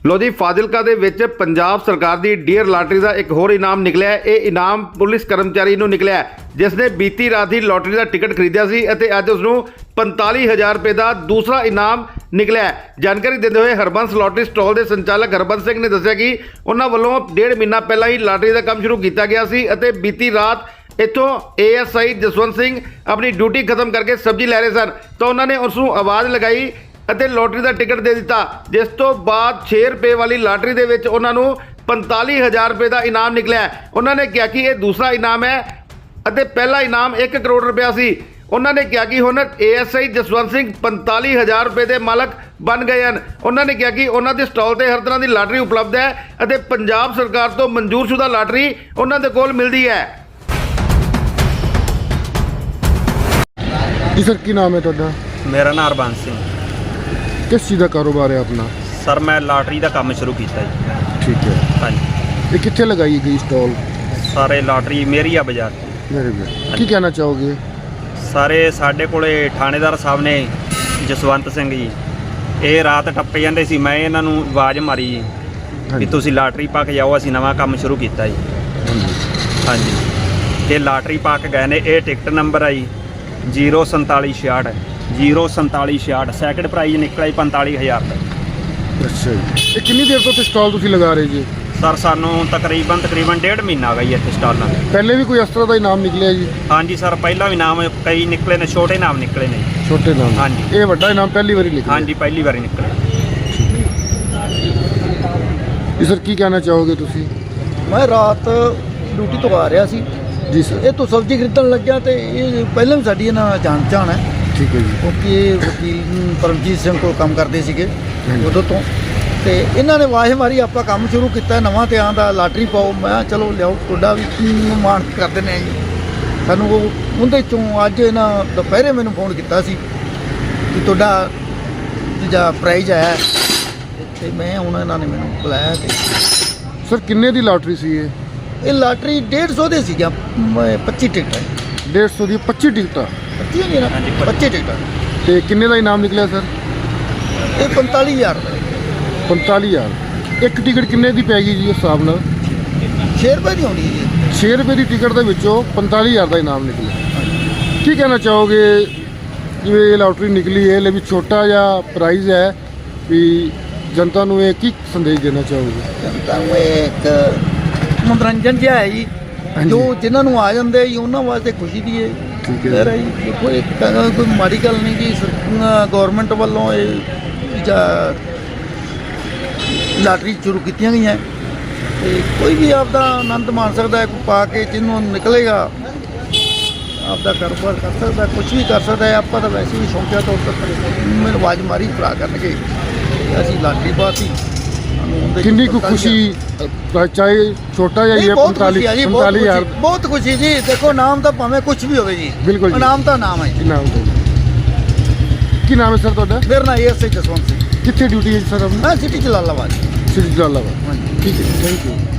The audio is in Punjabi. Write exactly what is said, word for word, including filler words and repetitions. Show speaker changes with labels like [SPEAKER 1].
[SPEAKER 1] ਲੋ ਜੀ ਫਾਜ਼ਿਲਕਾ ਦੇ ਵਿੱਚ ਪੰਜਾਬ ਸਰਕਾਰ ਦੀ ਡੀਅਰ ਲਾਟਰੀ ਦਾ ਇੱਕ ਹੋਰ ਇਨਾਮ ਨਿਕਲਿਆ ਹੈ। ਇਹ ਇਨਾਮ ਪੁਲਿਸ ਕਰਮਚਾਰੀ ਨੂੰ ਨਿਕਲਿਆ ਹੈ, ਜਿਸ ਨੇ ਬੀਤੀ ਰਾਤ ਹੀ ਲਾਟਰੀ ਦਾ ਟਿਕਟ ਖਰੀਦਿਆ ਸੀ ਅਤੇ ਅੱਜ ਉਸ ਨੂੰ ਪੰਤਾਲੀ ਹਜ਼ਾਰ ਰੁਪਏ ਦਾ ਦੂਸਰਾ ਇਨਾਮ ਨਿਕਲਿਆ ਹੈ। ਜਾਣਕਾਰੀ ਦਿੰਦੇ ਹੋਏ ਹਰਬੰਸ ਲਾਟਰੀ ਸਟਾਲ ਦੇ ਸੰਚਾਲਕ ਹਰਬੰਸ ਸਿੰਘ ਨੇ ਦੱਸਿਆ ਕਿ ਉਹਨਾਂ ਵੱਲੋਂ ਡੇਢ ਮਹੀਨਾ ਪਹਿਲਾਂ ਹੀ ਲਾਟਰੀ ਦਾ ਕੰਮ ਸ਼ੁਰੂ ਕੀਤਾ ਗਿਆ ਸੀ ਅਤੇ ਬੀਤੀ ਰਾਤ ਇੱਥੋਂ A S I Jaswant Singh ਆਪਣੀ ਡਿਊਟੀ ਖਤਮ ਕਰਕੇ ਸਬਜ਼ੀ ਲੈ ਰਹੇ ਸਨ ਤਾਂ ਉਹਨਾਂ ਨੇ ਉਸ ਨੂੰ ਆਵਾਜ਼ ਲਗਾਈ ਅਤੇ ਲੋਟਰੀ ਦਾ ਟਿਕਟ ਦੇ ਦਿੱਤਾ, ਜਿਸ ਤੋਂ ਬਾਅਦ ਛੇ ਰੁਪਏ ਵਾਲੀ ਲਾਟਰੀ ਦੇ ਵਿੱਚ ਉਹਨਾਂ ਨੂੰ ਪੰਤਾਲੀ ਹਜ਼ਾਰ ਰੁਪਏ ਦਾ ਇਨਾਮ ਨਿਕਲਿਆ। ਉਹਨਾਂ ਨੇ ਕਿਹਾ ਕਿ ਇਹ ਦੂਸਰਾ ਇਨਾਮ ਹੈ ਅਤੇ ਪਹਿਲਾ ਇਨਾਮ ਇੱਕ ਕਰੋੜ ਰੁਪਇਆ ਸੀ। ਉਹਨਾਂ ਨੇ ਕਿਹਾ ਕਿ ਹੁਣ A S I Jaswant Singh ਪੰਤਾਲੀ ਹਜ਼ਾਰ ਰੁਪਏ ਦੇ ਮਾਲਕ ਬਣ ਗਏ ਹਨ। ਉਹਨਾਂ ਨੇ ਕਿਹਾ ਕਿ ਉਹਨਾਂ ਦੇ ਸਟਾਲ ਤੇ ਹਰ ਤਰ੍ਹਾਂ ਦੀ ਲਾਟਰੀ ਉਪਲਬਧ ਹੈ ਅਤੇ ਪੰਜਾਬ ਸਰਕਾਰ ਤੋਂ ਮਨਜ਼ੂਰਸ਼ੁਦਾ ਲਾਟਰੀ ਉਹਨਾਂ ਦੇ ਕੋਲ ਮਿਲਦੀ ਹੈ।
[SPEAKER 2] जी सर की नाम है ਤੁਹਾਡਾ?
[SPEAKER 3] ਮੇਰਾ ਨਾਮ ਹਰਬੰਸ ਸਿੰਘ।
[SPEAKER 2] किस चीज़ का कारोबार है अपना?
[SPEAKER 3] ਸਰ ਮੈਂ ਲਾਟਰੀ ਦਾ ਕੰਮ ਸ਼ੁਰੂ ਕੀਤਾ ਜੀ।
[SPEAKER 2] ठीक है।
[SPEAKER 3] ਹਾਂਜੀ
[SPEAKER 2] ये कितने लगाई गई स्टॉल?
[SPEAKER 3] ਸਾਰੇ ਲਾਟਰੀ ਮੇਰੀ ਆ ਬਾਜ਼ਾਰ
[SPEAKER 2] मेरे भी की कहना चाहोगे?
[SPEAKER 3] ਸਾਰੇ ਸਾਡੇ ਕੋਲੇ ਥਾਣੇਦਾਰ ਸਾਹਿਬ ਨੇ ਜਸਵੰਤ ਸਿੰਘ ਜੀ, ਇਹ ਰਾਤ ਟੱਪੇ ਜਾਂਦੇ ਸੀ, ਮੈਂ ਇਹਨਾਂ ਨੂੰ ਆਵਾਜ਼ ਮਾਰੀ ਜੀ ਵੀ ਤੁਸੀਂ ਲਾਟਰੀ ਪਾ ਕੇ ਜਾਓ, ਅਸੀਂ ਨਵਾਂ ਕੰਮ ਸ਼ੁਰੂ ਕੀਤਾ ਜੀ। ਹਾਂਜੀ ਇਹ ਲਾਟਰੀ ਪਾ ਕੇ ਗਏ ਨੇ। ਇਹ ਟਿਕਟ ਨੰਬਰ ਆ ਜੀ ਜ਼ੀਰੋ ਸੰਤਾਲੀ ਛਿਆਹਠ ਜ਼ੀਰੋ ਸੰਤਾਲੀ ਛਿਆਹਠ ਸੈਕਿੰਡ ਪ੍ਰਾਈਜ਼ ਨਿਕਲਿਆ ਜੀ ਪੰਤਾਲੀ ਹਜ਼ਾਰ ਦਾ।
[SPEAKER 2] अच्छा जी। ये कितनी देर तो स्टॉल तुसी लगा रहे जी?
[SPEAKER 3] ਸਰ ਸਾਨੂੰ ਤਕਰੀਬਨ ਤਕਰੀਬਨ ਡੇਢ ਮਹੀਨਾ ਹੋ ਗਿਆ ਜੀ ਇੱਥੇ ਸਟਾਲਾਂ ਦੇ।
[SPEAKER 2] पहले भी कोई इस तरह का इनाम निकलिया जी?
[SPEAKER 3] ਹਾਂਜੀ ਸਰ ਪਹਿਲਾਂ ਵੀ ਨਾਮ ਕਈ ਨਿਕਲੇ ਨੇ, ਛੋਟੇ ਨਾਮ ਨਿਕਲੇ ਨੇ ਜੀ।
[SPEAKER 2] छोटे नाम?
[SPEAKER 3] हाँ जी।
[SPEAKER 2] ये बड़ा इनाम पहली बार निकला?
[SPEAKER 3] ਹਾਂਜੀ ਪਹਿਲੀ ਵਾਰੀ ਨਿਕਲੇ।
[SPEAKER 2] जी सर की कहना चाहोगे तुसी?
[SPEAKER 4] ਮੈਂ ਰਾਤ ਡਿਊਟੀ ਤੋਂ ਆ ਰਿਹਾ ਸੀ,
[SPEAKER 2] जी सर।
[SPEAKER 4] ਇਹ ਤੋਂ ਸਬਜ਼ੀ ਖਰੀਦਣ ਲੱਗਿਆ ਤੇ ਇਹ ਪਹਿਲਾਂ ਵੀ ਸਾਡੀ ਇਹਨਾਂ ਨਾਲ ਜਾਣ ਪਛਾਣ ਹੈ,
[SPEAKER 2] ठीक है जी।
[SPEAKER 4] ਕਿਉਂਕਿ ਇਹ ਵਕੀਲ ਪਰਮਜੀਤ ਸਿੰਘ ਕੋਲ ਕੰਮ ਕਰਦੇ ਸੀਗੇ
[SPEAKER 2] ਹਾਂਜੀ।
[SPEAKER 4] ਉਦੋਂ ਤੋਂ। ਤੇ ਇਹਨਾਂ ਨੇ ਆਵਾਜ਼ ਮਾਰੀ ਆਪਾਂ ਕੰਮ ਸ਼ੁਰੂ ਕੀਤਾ ਨਵਾਂ ਤੇ ਆਂਦਾ ਲਾਟਰੀ ਪਾਓ। ਮੈਂ ਕਿਹਾ ਚਲੋ ਲਿਆਓ, ਤੁਹਾਡਾ ਵੀ ਮਾਣ ਕਰ ਦਿੰਦੇ ਹਾਂ ਜੀ ਸਾਨੂੰ। ਉਹ ਉਹਦੇ ਚੋਂ ਅੱਜ ਇਹਨਾਂ ਦੁਪਹਿਰੇ ਮੈਨੂੰ ਫੋਨ ਕੀਤਾ ਸੀ ਕਿ ਤੁਹਾਡਾ ਜਿਹੜਾ ਪ੍ਰਾਈਜ਼ ਆਇਆ, ਤੇ ਮੈਂ ਹੁਣ ਇਹਨਾਂ ਨੇ ਮੈਨੂੰ ਬੁਲਾਇਆ ਤੇ
[SPEAKER 2] सर किन्ने दी लॉटरी सी ये?
[SPEAKER 4] ਇਹ ਲਾਟਰੀ ਡੇਢ ਸੌ ਦੇ ਸੀਗਾ, ਪੱਚੀ ਟਿਕਟਾਂ
[SPEAKER 2] डेढ़ सौ दी पच्ची टिकटा
[SPEAKER 4] ਪੱਚੀ ਨਹੀਂ ਨਾ,
[SPEAKER 3] ਹਾਂਜੀ,
[SPEAKER 4] ਪੱਚੀ ਟਿਕਟਾਂ।
[SPEAKER 2] ते किन्ने दा इनाम निकलिया सर?
[SPEAKER 4] ਇਹ ਪੰਤਾਲੀ ਹਜ਼ਾਰ ਦਾ
[SPEAKER 2] पैंताली हज़ार। एक टिकट किन्ने दी पै गई जी उस हिसाब नाल?
[SPEAKER 4] ਛੇ ਰੁਪਏ ਦੀ ਹੋਣੀ ਹੈ।
[SPEAKER 2] छे रुपए की टिकट ਦੇ ਵਿੱਚੋਂ पैंताली हज़ार ਦਾ ਇਨਾਮ ਨਿਕਲਿਆ। ਕੀ ਕਹਿਣਾ ਚਾਹੋਗੇ ਜਿਵੇਂ ਇਹ ਲਾਟਰੀ ਨਿਕਲੀ ਹੈ, ਵੀ ਛੋਟਾ ਜਿਹਾ ਪ੍ਰਾਈਜ਼ ਹੈ, ਵੀ ਜਨਤਾ ਨੂੰ ਇਹ ਕੀ ਸੰਦੇਸ਼ ਦੇਣਾ ਚਾਹੋਗੇ?
[SPEAKER 4] ਜਨਤਾ ਨੂੰ ਇਹ ਇੱਕ ਮਨੋਰੰਜਨ ਜਿਹਾ ਹੈ ਜੀ, ਜੋ ਜਿਨ੍ਹਾਂ ਨੂੰ ਆ ਜਾਂਦੇ ਜੀ ਉਹਨਾਂ ਵਾਸਤੇ ਖੁਸ਼ੀ ਦੀ ਹੈ।
[SPEAKER 2] ਠੀਕ ਹੈ
[SPEAKER 4] ਫਿਰ ਇਹ ਦੇਖੋ ਇਹ ਕਹਿੰਦਾ ਕੋਈ ਮਾੜੀ ਗੱਲ ਨਹੀਂ ਕਿ ਗੌਰਮੈਂਟ ਵੱਲੋਂ ਇਹ ਜਾਂ ਲਾਟਰੀ ਸ਼ੁਰੂ ਕੀਤੀਆਂ ਗਈਆਂ ਤੇ ਕੋਈ ਵੀ ਆਪਦਾ ਆਨੰਦ ਮਾਣ ਸਕਦਾ ਹੈ, ਕੋਈ ਪਾ ਕੇ ਜਿਹਨੂੰ ਨਿਕਲੇਗਾ ਆਪਦਾ ਕਾਰੋਬਾਰ ਕਰ ਸਕਦਾ, ਕੁਝ ਵੀ ਕਰ ਸਕਦਾ ਹੈ। ਆਪਾਂ ਤਾਂ ਵੈਸੇ ਵੀ ਸ਼ੌਂਕਿਆ ਤੌਰ ਤੇ ਮੈਨੂੰ ਆਵਾਜ਼ ਮਾਰੀ ਭਰਾ ਕਰਨਗੇ, ਅਸੀਂ ਲਾਟਰੀ ਪਾਤੀ।
[SPEAKER 2] ਕਿੰਨੀ ਕੁ ਖੁਸ਼ੀ, ਚਾਹੇ ਛੋਟਾ ਜਿਹਾ ਹੀ ਹੈ,
[SPEAKER 4] ਪੰਤਾਲੀ
[SPEAKER 2] ਪੰਤਾਲੀ ਹਜ਼ਾਰ
[SPEAKER 4] ਬਹੁਤ ਖੁਸ਼ੀ ਜੀ। ਦੇਖੋ ਨਾਮ ਤਾਂ ਭਾਵੇਂ ਕੁਝ ਵੀ ਹੋਵੇ ਜੀ,
[SPEAKER 2] ਬਿਲਕੁਲ ਜੀ।
[SPEAKER 4] ਨਾਮ ਤਾਂ ਨਾਮ ਹੈ ਜੀ।
[SPEAKER 2] ਕੀ ਨਾਮ ਹੈ? ਕੀ ਨਾਮ ਹੈ ਸਰ ਤੁਹਾਡਾ?
[SPEAKER 4] ਮੇਰਾ ਨਾਮ A S I Jaswant Singh.
[SPEAKER 2] ਕਿੱਥੇ ਡਿਊਟੀ ਹੈ ਸਰ ਆਪਣੀ?
[SPEAKER 4] ਮੈਂ ਸਿਟੀ ਜਲਾਲਾਬਾਦ।
[SPEAKER 2] ਸਿਟੀ ਜਲਾਲਾਬਾਦ। ਠੀਕ ਹੈ, ਥੈਂਕ ਯੂ।